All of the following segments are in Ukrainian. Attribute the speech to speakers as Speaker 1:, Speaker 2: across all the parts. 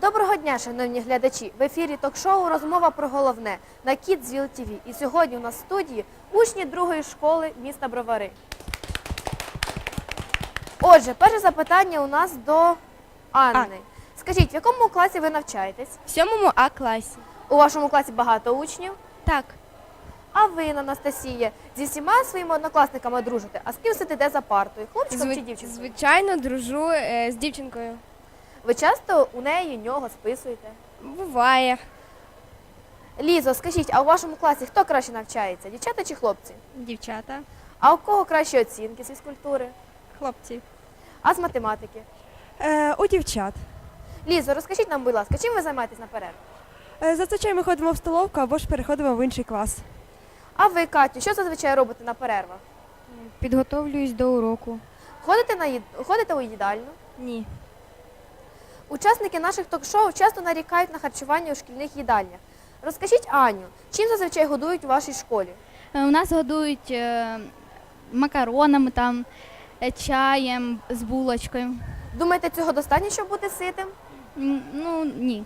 Speaker 1: Доброго дня, шановні глядачі! В ефірі ток-шоу «Розмова про головне» на Kidsville TV. І сьогодні у нас в студії учні другої школи міста Бровари. Отже, перше запитання у нас до Анни. Скажіть, в якому класі ви навчаєтесь?
Speaker 2: В 7 А класі.
Speaker 1: У вашому класі багато учнів?
Speaker 2: Так.
Speaker 1: А ви, Анастасія, зі всіма своїми однокласниками дружите? А з ким сидите за партою? Хлопчиком чи дівчинкою?
Speaker 2: Звичайно, дружу з дівчинкою.
Speaker 1: Ви часто у неї, нього списуєте?
Speaker 2: Буває.
Speaker 1: Лізо, скажіть, а у вашому класі хто краще навчається? Дівчата чи хлопці?
Speaker 2: Дівчата.
Speaker 1: А у кого кращі оцінки з фізкультури?
Speaker 2: Хлопці.
Speaker 1: А з математики?
Speaker 3: У дівчат.
Speaker 1: Лізо, розкажіть нам, будь ласка, чим ви займаєтесь на перерві?
Speaker 3: Зазвичай ми ходимо в столовку або ж переходимо в інший клас.
Speaker 1: А ви, Катю, що зазвичай робите на перервах?
Speaker 2: Підготовлююсь до уроку.
Speaker 1: Ходите у їдальню?
Speaker 2: Ні.
Speaker 1: Учасники наших ток-шоу часто нарікають на харчування у шкільних їдальнях. Розкажіть, Аню, чим зазвичай годують у вашій школі?
Speaker 4: У нас годують макаронами, чаєм з булочкою.
Speaker 1: Думаєте, цього достатньо, щоб бути ситим?
Speaker 4: Ну, ні.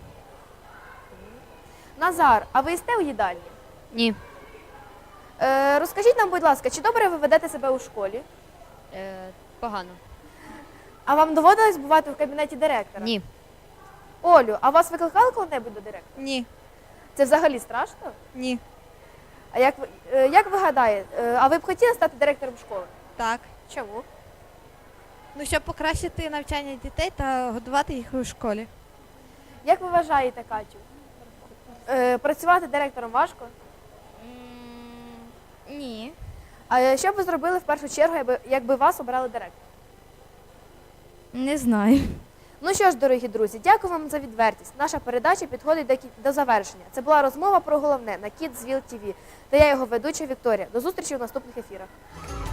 Speaker 1: Назар, а ви їсте у їдальні?
Speaker 4: Ні.
Speaker 1: Розкажіть нам, будь ласка, чи добре ви ведете себе у школі?
Speaker 4: Погано.
Speaker 1: А вам доводилось бувати в кабінеті директора?
Speaker 4: Ні.
Speaker 1: Олю, а вас викликали коли-небудь до директора?
Speaker 3: Ні.
Speaker 1: Це взагалі страшно?
Speaker 3: Ні.
Speaker 1: А як ви гадаєте, а ви б хотіли стати директором школи?
Speaker 3: Так.
Speaker 1: Чому?
Speaker 3: Ну, щоб покращити навчання дітей та годувати їх у школі.
Speaker 1: Як ви вважаєте, Катю? Працювати директором важко?
Speaker 4: Ні.
Speaker 1: А що б ви зробили в першу чергу, якби вас обрали директором?
Speaker 4: Не знаю.
Speaker 1: Ну що ж, дорогі друзі, дякую вам за відвертість. Наша передача підходить до завершення. Це була розмова про головне на Kidsville TV. Та я його ведуча Вікторія. До зустрічі у наступних ефірах.